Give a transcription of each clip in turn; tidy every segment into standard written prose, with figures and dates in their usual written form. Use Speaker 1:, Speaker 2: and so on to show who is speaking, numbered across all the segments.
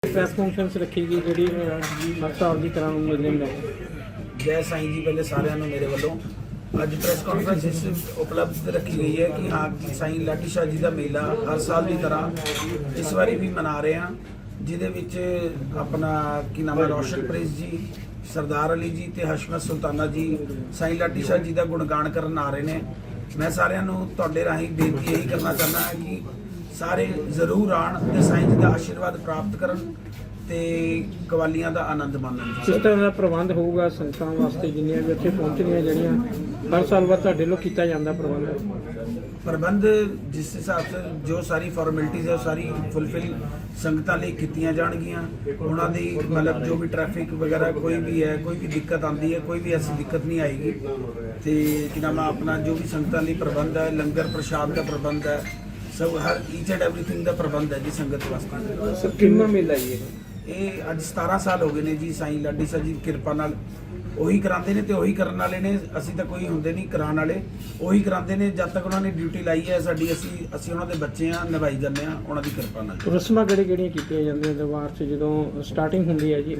Speaker 1: Press conference ਰੱਖੀ ਗਈ ਜਿਹੜੀ ਹਰ ਸਾਲ ਦੀ ਤਰ੍ਹਾਂ ਮੇਲੇ ਨੂੰ ਲੈ ਕੇ।
Speaker 2: जय साईं जी पहले साਰਿਆਂ ਨੂੰ ਮੇਰੇ ਵੱਲੋਂ ਅੱਜ ਪ੍ਰੈਸ ਕਾਨਫਰੰਸ ਇਸ ਉਪਲਬਧ ਰੱਖੀ ਗਈ ਹੈ ਕਿ ਹਾਂ ਸਾਈਂ ਲਾਡੀ ਸ਼ਾਹ ਜੀ ਦਾ ਮੇਲਾ ਹਰ ਸਾਲ ਦੀ ਤਰ੍ਹਾਂ ਇਸ ਵਾਰੀ ਵੀ ਮਨਾ ਰਹੇ ਹਾਂ, ਜਿਹਦੇ ਵਿੱਚ ਆਪਣਾ ਕੀ ਨਾਮ ਹੈ ਰੋਸ਼ਨਪ੍ਰੀਤ ਜੀ, ਸਰਦਾਰ ਅਲੀ ਜੀ ਤੇ ਹਸ਼ਮਤ ਸੁਲਤਾਨਾ ਜੀ ਸਾਈਂ ਲਾਡੀ ਸ਼ਾਹ ਜੀ ਦਾ ਗੁਣਗਾਨ ਕਰਨ ਆ ਰਹੇ ਨੇ। ਮੈਂ ਸਾਰਿਆਂ ਨੂੰ ਤੁਹਾਡੇ ਰਾਹੀਂ ਬੇਨਤੀ ਇਹੀ ਕਰਨਾ ਚਾਹੁੰਦਾ ਹਾਂ ਕਿ ਸਾਰੇ ਜ਼ਰੂਰ ਆਣ ਤੇ ਸਾਈਂ ਜੀ ਦਾ ਆਸ਼ੀਰਵਾਦ ਪ੍ਰਾਪਤ ਕਰਨ ਤੇ ਕਵਾਲੀਆਂ ਦਾ ਆਨੰਦ ਮਾਣਨ।
Speaker 1: ਕਿਸ ਤਰ੍ਹਾਂ ਦਾ ਪ੍ਰਬੰਧ ਹੋਊਗਾ ਸੰਗਤਾਂ ਵਾਸਤੇ ਜਿੰਨੀਆਂ ਵੀ ਉੱਥੇ ਪਹੁੰਚਣੀਆਂ, ਜਿਹੜੀਆਂ ਹਰ ਸਾਲ ਬਾਅਦ ਤੁਹਾਡੇ ਵੱਲੋਂ ਕੀਤਾ ਜਾਂਦਾ
Speaker 2: ਪ੍ਰਬੰਧ ਜਿਸ ਹਿਸਾਬ से जो सारी फॉर्मेलिटीज़ है वो सारी फुलफिल संगतां ਲਈ ਕੀਤੀਆਂ ਜਾਣਗੀਆਂ। ਉਹਨਾਂ ਦੀ ਮਤਲਬ ਜੋ ਵੀ ਟ੍ਰੈਫਿਕ ਵਗੈरह कोई भी है, कोई भी दिक्कत आती है, कोई भी ऐसी दिक्कत नहीं आएगी। तो कि नाम अपना जो भी संगतां ਲਈ प्रबंध है, लंगर प्रसाद का प्रबंध है, सब हर ईच एंड एवरीथिंग का प्रबंध है जी संगत वास्ते।
Speaker 1: ਕਿੰਨਾ ਮੇਲਾ ਜੀ
Speaker 2: ਇਹ ਅੱਜ 17 ਸਾਲ ਹੋ ਗਏ ਨੇ ਜੀ ਸਾਈਂ ਲਾਡੀ ਸ਼ਾਹ ਜੀ ਦੀ ਕਿਰਪਾ ਨਾਲ ਉਹੀ ਕਰਾਉਂਦੇ ਨੇ ਤੇ ਉਹੀ ਕਰਨ ਵਾਲੇ ਨੇ। ਅਸੀਂ ਤਾਂ ਕੋਈ ਹੁੰਦੇ ਨਹੀਂ ਕਰਾਉਣ ਵਾਲੇ, ਉਹੀ ਕਰਾਉਂਦੇ ਨੇ। ਜਦ ਤੱਕ ਉਹਨਾਂ ਨੇ ਡਿਊਟੀ ਲਾਈ ਹੈ ਸਾਡੀ, ਅਸੀਂ ਉਹਨਾਂ ਦੇ ਬੱਚੇ ਆ, ਨਿਭਾਈ ਜਾਂਦੇ ਆ ਉਹਨਾਂ ਦੀ ਕਿਰਪਾ ਨਾਲ।
Speaker 1: ਰਸਮਾਂ ਕਿਹੜੀਆਂ ਕੀਤੀਆਂ ਜਾਂਦੀਆਂ ਦਰਬਾਰ 'ਚ ਜਦੋਂ ਸਟਾਰਟਿੰਗ ਹੁੰਦੀ ਹੈ ਜੀ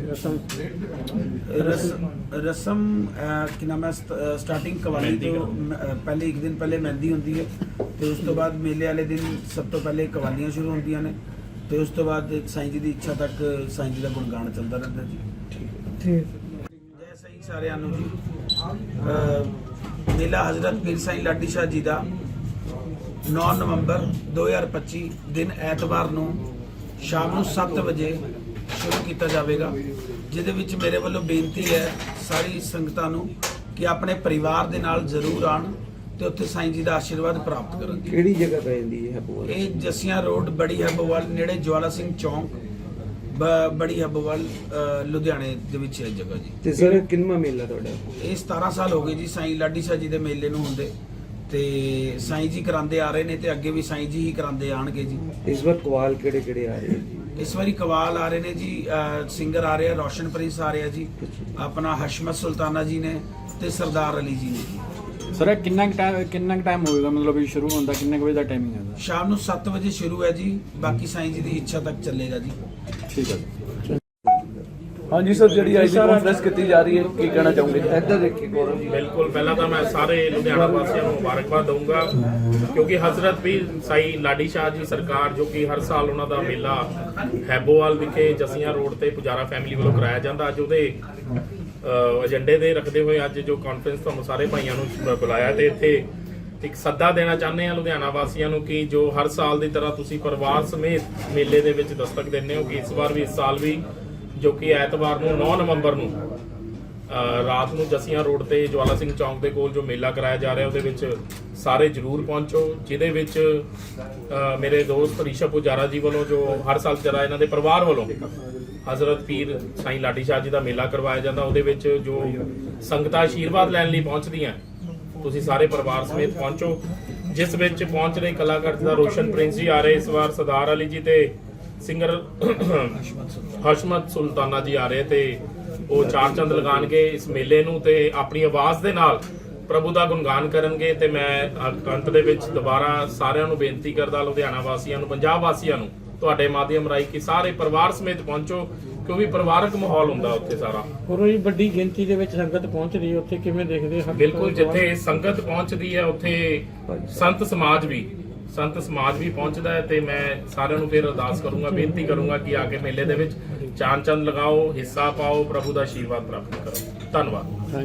Speaker 2: ਰਸਮ ਕੀ ਨਾਮ ਹੈ ਸਟਾਰਟਿੰਗ ਕਵਾਲੀ ਤੋਂ ਪਹਿਲੇ ਇੱਕ ਦਿਨ ਪਹਿਲੇ ਮਹਿੰਦੀ ਹੁੰਦੀ ਹੈ ਤੇ ਉਸ ਤੋਂ ਬਾਅਦ ਮੇਲੇ ਵਾਲੇ ਦਿਨ ਸਭ ਤੋਂ ਪਹਿਲੇ ਕਵਾਲੀਆਂ ਸ਼ੁਰੂ ਹੁੰਦੀਆਂ ਨੇ ਤੇ ਉਸ ਤੋਂ ਬਾਅਦ ਸਾਈਂ ਜੀ ਦੀ ਇੱਛਾ ਤੱਕ ਸਾਈਂ ਜੀ ਦਾ ਗੁਣਗਾਨ ਚੱਲਦਾ ਰਹਿੰਦਾ ਜੀ।
Speaker 1: ਠੀਕ
Speaker 2: ਜੈ ਸਾਈਂ ਸਾਰਿਆਂ ਨੂੰ ਜੀ। ਮੇਲਾ ਹਜ਼ਰਤ ਪੀਰ ਸਾਈਂ ਲਾਡੀ ਸ਼ਾਹ ਜੀ ਦਾ 9 ਨਵੰਬਰ 2025 ਦਿਨ ਐਤਵਾਰ ਨੂੰ ਸ਼ਾਮ ਨੂੰ 7 ਵਜੇ ਸ਼ੁਰੂ ਕੀਤਾ ਜਾਵੇਗਾ, ਜਿਹਦੇ ਵਿੱਚ ਮੇਰੇ ਵੱਲੋਂ ਬੇਨਤੀ ਹੈ ਸਾਰੀ ਸੰਗਤਾਂ ਨੂੰ ਕਿ ਆਪਣੇ ਪਰਿਵਾਰ ਦੇ ਨਾਲ ਜ਼ਰੂਰ ਆਣ ਤੇ ਉੱਥੇ ਸਾਈਂ ਜੀ ਦਾ ਆਸ਼ੀਰਵਾਦ ਪ੍ਰਾਪਤ ਕਰਨ।
Speaker 3: ਕਿਹੜੀ ਜਗ੍ਹਾ ਪੈ ਜਾਂਦੀ ਹੈ ਹੈਬੋਵਾਲ?
Speaker 2: ਇਹ ਜਸੀਆਂ ਰੋਡ ਬੜੀ ਹੈਬੋਵਾਲ ਨੇੜੇ ਜਵਾਲਾ ਸਿੰਘ ਚੌਂਕ ਬੜੀ ਹੈਬੋਵਾਲ ਲੁਧਿਆਣੇ ਦੇ ਵਿੱਚ ਹੈ ਜਗ੍ਹਾ ਜੀ।
Speaker 3: ਤੇ ਸਰ ਕਿੰਨਾ ਮੇਲਾ ਤੁਹਾਡਾ?
Speaker 2: ਇਹ 17 ਸਾਲ ਹੋ ਗਏ ਜੀ ਸਾਈਂ ਲਾਡੀ ਸ਼ਾਹ ਜੀ ਦੇ ਮੇਲੇ ਨੂੰ ਹੁੰਦੇ ਤੇ ਸਾਈਂ ਜੀ ਕਰਾਉਂਦੇ ਆ ਰਹੇ ਨੇ ਤੇ ਅੱਗੇ ਵੀ ਸਾਈਂ ਜੀ ਹੀ ਕਰਾਉਂਦੇ ਆਣਗੇ ਜੀ।
Speaker 3: ਇਸ ਵਾਰ ਕਵਾਲ ਕਿਹੜੇ ਕਿਹੜੇ ਆ ਰਹੇ ਜੀ?
Speaker 2: ਇਸ ਵਾਰੀ ਕਵਾਲ ਆ ਰਹੇ ਨੇ ਜੀ, ਸਿੰਗਰ ਆ ਰਹੇ ਆ, ਰੋਸ਼ਨਪ੍ਰੀਤ ਆ ਰਿਹਾ ਜੀ, ਆਪਣਾ ਹਸ਼ਮਤ ਸੁਲਤਾਨਾ ਜੀ ਨੇ ਤੇ ਸਰਦਾਰ ਅਲੀ ਜੀ ਨੇ।
Speaker 4: ਸਰ ਕਿੰਨਾ ਟਾਈਮ ਹੋਏਗਾ, ਮਤਲਬ ਇਹ ਸ਼ੁਰੂ ਹੁੰਦਾ ਕਿੰਨੇ ਵਜੇ ਦਾ ਟਾਈਮਿੰਗ ਹੈ?
Speaker 2: ਸ਼ਾਮ ਨੂੰ 7 ਵਜੇ ਸ਼ੁਰੂ ਹੈ ਜੀ, ਬਾਕੀ ਸਾਈਂ ਜੀ ਦੀ ਇੱਛਾ ਤੱਕ ਚੱਲੇਗਾ ਜੀ।
Speaker 4: ਠੀਕ ਹੈ।
Speaker 5: ਹਾਂਜੀ ਸਰ, ਜਿਹੜੀ ਅੱਜ ਦੀ ਕਾਨਫਰੰਸ ਕੀਤੀ ਜਾ ਰਹੀ ਹੈ ਕੀ ਕਹਿਣਾ ਚਾਹੋਗੇ?
Speaker 3: ਇੱਧਰ ਦੇਖੀ ਗੌਰਵ ਜੀ।
Speaker 6: ਬਿਲਕੁਲ, ਪਹਿਲਾਂ ਤਾਂ ਮੈਂ ਸਾਰੇ ਲੁਧਿਆਣਾ ਵਾਸੀਆਂ ਨੂੰ ਮੁਬਾਰਕਬਾਦ ਦਊਂਗਾ ਕਿਉਂਕਿ ਹਜ਼ਰਤ ਪੀਰ ਸਾਈਂ ਲਾਡੀ ਸ਼ਾਹ ਜੀ ਸਰਕਾਰ ਜੋ ਕਿ ਹਰ ਸਾਲ ਉਹਨਾਂ ਦਾ ਮੇਲਾ ਹੈਬੋਵਾਲ ਵਿਖੇ ਜਸੀਆਂ ਰੋਡ ਤੇ ਪੁਜਾਰਾ ਫੈਮਿਲੀ ਵੱਲੋਂ ਕਰਾਇਆ ਜਾਂਦਾ, ਅੱਜ ਉਹਦੇ ਏਜੰਡੇ ਦੇ ਰੱਖਦੇ ਹੋਏ ਅੱਜ ਜੋ ਕਾਨਫਰੰਸ ਤੁਹਾਨੂੰ ਸਾਰੇ ਭਾਈਆਂ ਨੂੰ ਬੁਲਾਇਆ ਤੇ ਇੱਥੇ ਇੱਕ ਸੱਦਾ ਦੇਣਾ ਚਾਹੁੰਦੇ ਆ ਲੁਧਿਆਣਾ ਵਾਸੀਆਂ ਨੂੰ ਕਿ ਜੋ ਹਰ ਸਾਲ ਦੀ ਤਰ੍ਹਾਂ ਤੁਸੀਂ ਪਰਿਵਾਰ ਸਮੇਤ ਮੇਲੇ ਦੇ ਵਿੱਚ ਦਸਤਕ ਦਿੰਦੇ ਹੋ ਕਿ ਇਸ ਵਾਰ ਵੀ, ਇਸ ਸਾਲ ਵੀ ਜੋ ਕਿ ਐਤਵਾਰ ਨੂੰ 9 ਨਵੰਬਰ ਨੂੰ ਰਾਤ ਨੂੰ ਜਸੀਆਂ ਰੋਡ ਤੇ ਜਵਾਲਾ ਸਿੰਘ ਚੌਂਕ ਦੇ ਕੋਲ ਜੋ ਮੇਲਾ ਕਰਾਇਆ ਜਾ ਰਿਹਾ ਉਹਦੇ ਵਿੱਚ ਸਾਰੇ ਜ਼ਰੂਰ ਪਹੁੰਚੋ, ਜਿਹਦੇ ਵਿੱਚ ਮੇਰੇ ਦੋਸਤ ਰੀਸ਼ਾ ਪੁਜਾਰਾ ਜੀ ਵੱਲੋਂ ਜੋ ਹਰ ਸਾਲ ਜਰਾ ਇਹਨਾਂ ਦੇ ਪਰਿਵਾਰ ਵੱਲੋਂ ਹਜ਼ਰਤ ਪੀਰ ਸਾਈਂ ਲਾਡੀ ਸ਼ਾਹ ਜੀ ਦਾ ਮੇਲਾ ਕਰਵਾਇਆ ਜਾਂਦਾ, ਉਹਦੇ ਵਿੱਚ ਜੋ ਸੰਗਤਾਂ ਆਸ਼ੀਰਵਾਦ ਲੈਣ ਲਈ ਪਹੁੰਚਦੀਆਂ ਤੁਸੀਂ ਸਾਰੇ ਪਰਿਵਾਰ ਸਮੇਤ ਪਹੁੰਚੋ, ਜਿਸ ਵਿੱਚ ਪਹੁੰਚ ਰਹੇ ਕਲਾਕਾਰ ਜਿੱਦਾਂ ਰੋਸ਼ਨਪ੍ਰੀਤ ਜੀ ਆ ਰਹੇ ਇਸ ਵਾਰ, ਸਰਦਾਰ ਅਲੀ ਜੀ ਤੇ ਸਿੰਗਰ ਹਸ਼ਮਤ ਸੁਲਤਾਨਾ ਜੀ ਆ ਰਹੇ ਤੇ ਉਹ ਚਾਰ ਚੰਦ ਲਗਾਣਗੇ ਇਸ ਮੇਲੇ ਨੂੰ ਤੇ ਆਪਣੀ ਆਵਾਜ਼ ਦੇ ਨਾਲ ਪ੍ਰਭੂ ਦਾ ਗੁਣਗਾਨ ਕਰਨਗੇ। ਤੇ ਮੈਂ ਅੰਤ ਦੇ ਵਿੱਚ ਦੁਬਾਰਾ ਸਾਰਿਆਂ ਨੂੰ ਬੇਨਤੀ ਕਰਦਾ, ਲੁਧਿਆਣਾ ਵਾਸੀਆਂ ਨੂੰ, ਪੰਜਾਬ ਵਾਸੀਆਂ ਨੂੰ ਤੁਹਾਡੇ ਮਾਧਿਅਮ ਰਾਹੀਂ ਕਿ ਸਾਰੇ ਪਰਿਵਾਰ ਸਮੇਤ ਪਹੁੰਚੋ ਕਿਉਂਕਿ ਪਰਿਵਾਰਕ ਮਾਹੌਲ ਹੁੰਦਾ ਉੱਥੇ ਸਾਰਾ।
Speaker 1: ਹੋਰ ਜੀ ਵੱਡੀ ਗਿਣਤੀ ਦੇ ਵਿੱਚ ਸੰਗਤ ਪਹੁੰਚਦੀ ਹੈ ਉੱਥੇ, ਕਿਵੇਂ ਦੇਖਦੇ ਹੋ?
Speaker 6: ਬਿਲਕੁਲ, ਜਿੱਥੇ ਸੰਗਤ ਪਹੁੰਚਦੀ ਹੈ ਉੱਥੇ ਸੰਤ ਸਮਾਜ ਵੀ ਪਹੁੰਚਦਾ ਹੈ ਤੇ ਮੈਂ ਸਾਰਿਆਂ ਨੂੰ ਫਿਰ ਅਰਦਾਸ ਕਰੂੰਗਾ, ਬੇਨਤੀ ਕਰੂੰਗਾ ਕਿ ਆ ਕੇ ਮੇਲੇ ਦੇ ਵਿੱਚ ਚਾਰ ਚੰਦ ਲਗਾਓ, ਹਿੱਸਾ ਪਾਓ, ਪ੍ਰਭੂ ਦਾ ਆਸ਼ੀਰਵਾਦ ਪ੍ਰਾਪਤ ਕਰੋ। ਧੰਨਵਾਦ।